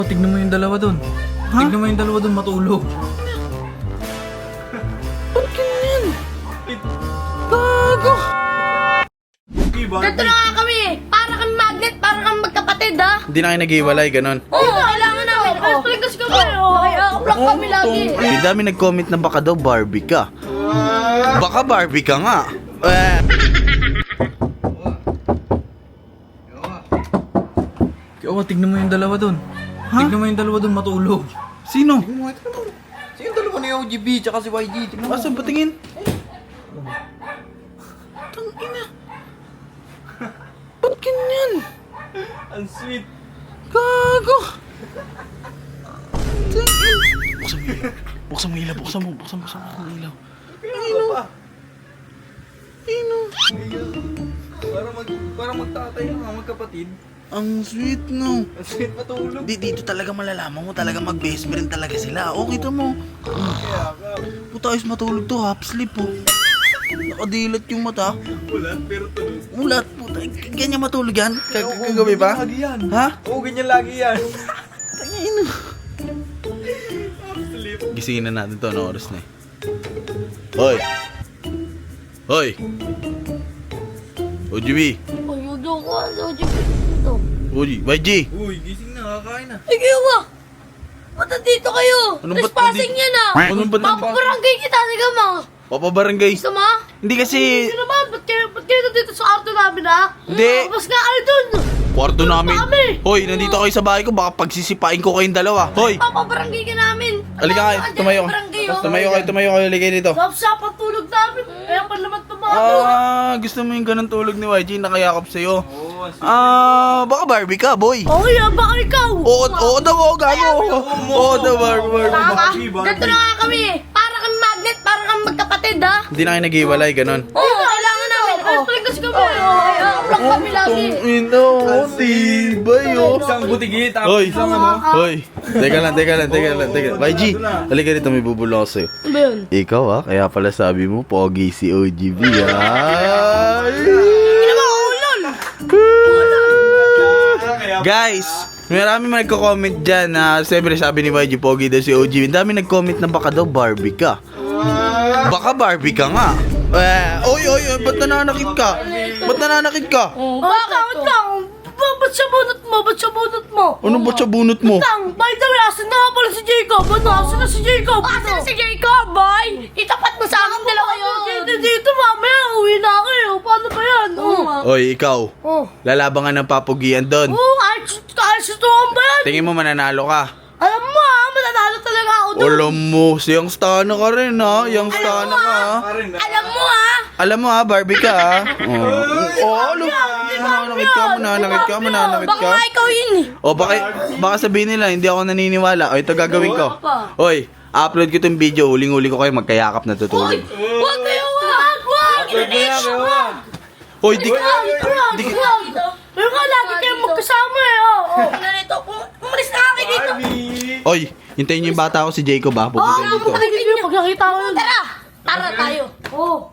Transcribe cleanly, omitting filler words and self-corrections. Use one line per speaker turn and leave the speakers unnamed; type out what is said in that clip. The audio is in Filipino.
Tignan mo yung dalawa dun. Tignan mo yung dalawa dun matulog.
Ba't ganyan? Gago!
Ganito na nga kami eh. Para kami magnet, para kami magkapatid ha.
Hindi na kayo nag-iwalay, ganon.
Oo, kailangan namin. Paligtas kami. Nakaka-block kami lagi.
May dami nag-comment na baka daw Barbie ka. Baka Barbie ka nga.
Kaya tignan mo yung dalawa dun. Tignan mo yung dalawa dun matulog.
Sino?
Sino yung dalawa ni OGB tsaka si YG? Tignan mo.
Asan patingin? Tangina. Ba't ganyan?
Ang sweet.
Gago! Buksan mo ilaw, buksan mo ilaw.
Para magtatay ng mga magkapatid.
Ang sweet, no?
Ang sweet matulog.
Dito talaga malalaman mo, talaga mag-best friend talaga sila. O, kita mo. Puta, ayos matulog to, half sleep, oh. Nakadilat yung mata.
Ulat pero tulog.
Ulat, puta. Ganyan matulog yan? Kagabi ba?
Lagi yan.
Ha?
Oo, ganyan lagi yan.
Tangina. Gisingin na natin to, ano oras na eh. Hoy! Hoy! OGB!
Ayun ko. Ito.
YG!
Uy, gising na, kakain na.
Sige ba? Ba't nandito kayo?
Anong ba't
Trespassing
nandito?
yan ah.
Anong ba't nandito?
Papabarangay kita. Sige mo.
Papabarangay!
Gusto mo?
Hindi kasi...
Hindi naman. Ba't kayo nandito sa auto namin ha?
Hindi.
Mas nga kayo dun.
Kwarto namin.
Kami.
Hoy, nandito kayo sa bahay ko. Baka pagsisipain ko kayong dalawa. Hoy!
Papabarangay ka namin.
Halika kayo. Tumayo. Tumayo kayo. Halika kayo dito.
Sap-sap ang tulog namin. Kaya pa naman tumato.
Gusto mo yung ganun tulog ni YG nakayakap sa'yo?
Oo,
Baka Barbie ka, boy.
Oh, yan. Baka ikaw.
Oo daw, gago. Oo daw, Barbie.
Tama.
Barbie.
Ganito na nga kami eh. Para kami magnet, para kami magkapatid ha.
Hindi na kayo nag-iwalay, ganun.
Oo, kailangan namin. Paligtas kami. Nakaka-block kami lagi.
Ino, tibay, oh.
Isang butigi, tapos
Hoy,
isang ano.
hoy. Teka lang. YG, halika dito, may bubulong ako sa'yo.
Ano ba yun?
Ikaw, kaya pala sabi mo, pogi si OGB,
Hindi naman ulol.
Guys, marami man nagko-comment dyan na siyempre sabi ni YG pogi daw si OGB. Ang dami nag-comment na baka daw Barbie ka. Baka Barbie ka nga. Oy, ba't nananakit ka? Bakit?
Bakit lang? Ba't siya bunot mo?
Ano ba sa bunot mo?
Tang, by the way, asan na nga pala si Jacob? Asan na si Jacob? Asan na si Jacob, boy? Itapat mo sa akin dalawa yun. Dito, mamaya, uwi na ako eh. Paano ba yan?
Oy, ikaw.
Oh.
Lalaban ka ng papugian doon.
Kahit sutukan ba yan?
Tingin mo mananalo ka.
Alam mo mananalo talaga ako doon.
Alam mo, youngstana ka rin ha. Youngstana ka ha.
Alam mo
Alam mo ha, Barbie ka ha. Alam mo. Mananakit ka.
Baka nga ikaw yun eh.
O baka sabihin nila, hindi ako naniniwala. O ito gagawin ko. Hoy, upload ko itong video. Huling-huli ko kayo magkayakap na tutulog.
Huwag kayo, wag!
Hoy, di
Pero nga, lagi kayong magkasama eh. Ganito, umalis na kami dito.
Hoy, hintayin niyo yung bata ko si Jacob ha. Pupunta dito.
Pag nakita ko yun. Tara tayo. Oo.